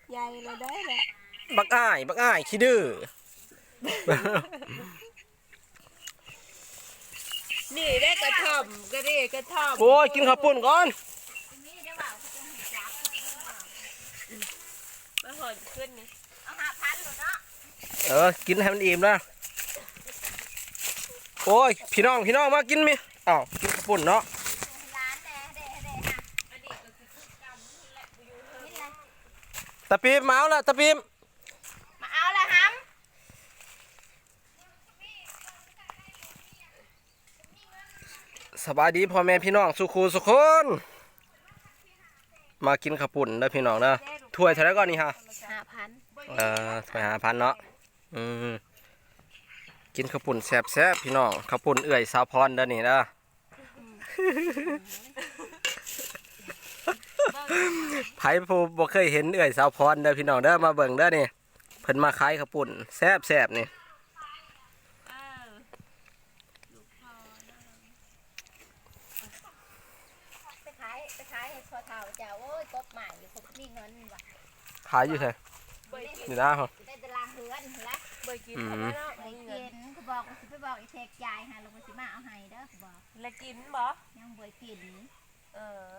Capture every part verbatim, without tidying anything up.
ใหญ่เลยได้แหละบักอ้ายบักอ้ายขี้ดื้อนี่ได้กระท่อมก็ได้กระท่อมโอ้ยกินข้าวปุ้นก่อนมาหอนขึ้นนี่เอาหาพันหรอเนาะเออกินให้มันอิ่มนะโอ้ยพี่น้องพี่น้องมากินมิอ้าวกินข้าวปุ้นเนาะร้านแด่แด่แด่ค่ะอันนี้ก็คือคือกรรมนี่แหละอยู่เฮ้ยนี่เลยตะปีมมาเอาละตะปีมมาเอาละฮัมสบายดีพ่อแม่พี่น้องสุขูสุคนมากินข้าวปุ้นเด้อพี่น้องเด้อถ้วยเท่าไรก่อนนี่ฮะห้าพันเออถ้วยห้าพันเนาะอืมกินข้าวปุ้นแซ่บแซ่บพี่น้องข้าวปุ้นเอื่อยสาวพรเด้อนี่เด้อ ไผผู้บ่เคยเห็นเอื่อยสาวพรเด้อพี่น้องเด้อมาเบิ่งเด้อนี่เพิ่นมาขายข้าวปุ้นแซ่บแซ่บนี่เออลูกพอนะไปขายไปขายให้พอเท่าเจ้าโอ้ยกบใหม่ผมมีเงินว่ะขายอยู่ไสเบยกินนี่นะฮะได้ตารางเฮือนละเบยกินทำไมเนาะไปกินเขาบอกสิไปบอกไอ้เทกยายฮะลงไปสิมาเอาให้เด้อเขาบอกแล้วกินบ่ยังบ่กินเออ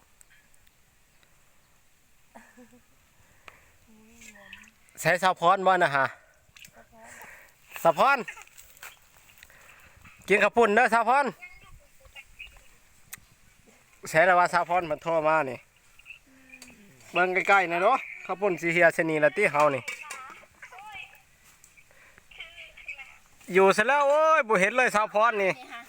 ใช้สาวพรบ่นะฮะสาวพรกินข้าวปุ้นเด้อสาวพรใช้แล้วว่าสาวพรมันโทรมานี่เบิ่งใกล้ๆหนะเนาะข้าวปุ้นสิเฮียชนีละติเฮานี่อยู่ซะแล้วโอ้ยบ่เห็นเลยสาวพรนี่นี่ฮะ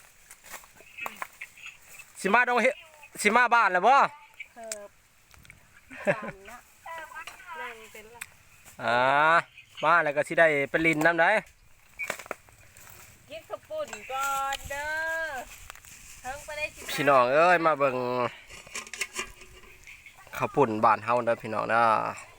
สิมาดงเฮสิมาบ้านแล้วบ่เคิบจานเนาะนั่งเป็นละอ่ามาแล้วก็สิได้ไปลินน้ำได้กินข้าวปุ่นก่อนเด้อเพิ่งไปได้สิพี่น้องเอ้ยมาเบิ่งข้าวปุ่นบ้านเฮาเด้อพี่น้องเด้อ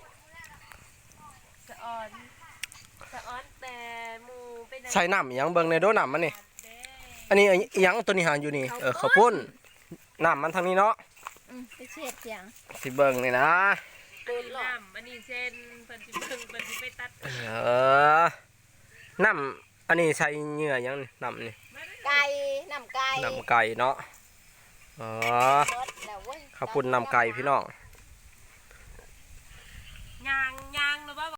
สะออนสะออนแต่หมูไปไหนใส่น้ำอิหยังเบิ่งในโดน้ำมันนี่เด้อันนี้อิหยังตัวนี้หาอยู่นี่เออข้าวปุ้นน้ำมันทางนี้เนาะอืมไปเช็ดเสียงสิเบิ่งนี่นะปืนน้ำอันนี้เส้นเพิ่นสิเพิ่งเพิ่นสิไปตัดเออน้ำอันนี้ใส่เหงื่อหยังนี่น้ำนี่ไก่น้ำไก่น้ำไก่เนาะอ๋อรสแล้วเว้ยข้าวปุ้นน้ำไก่พี่น้องยางยางแล้วบ่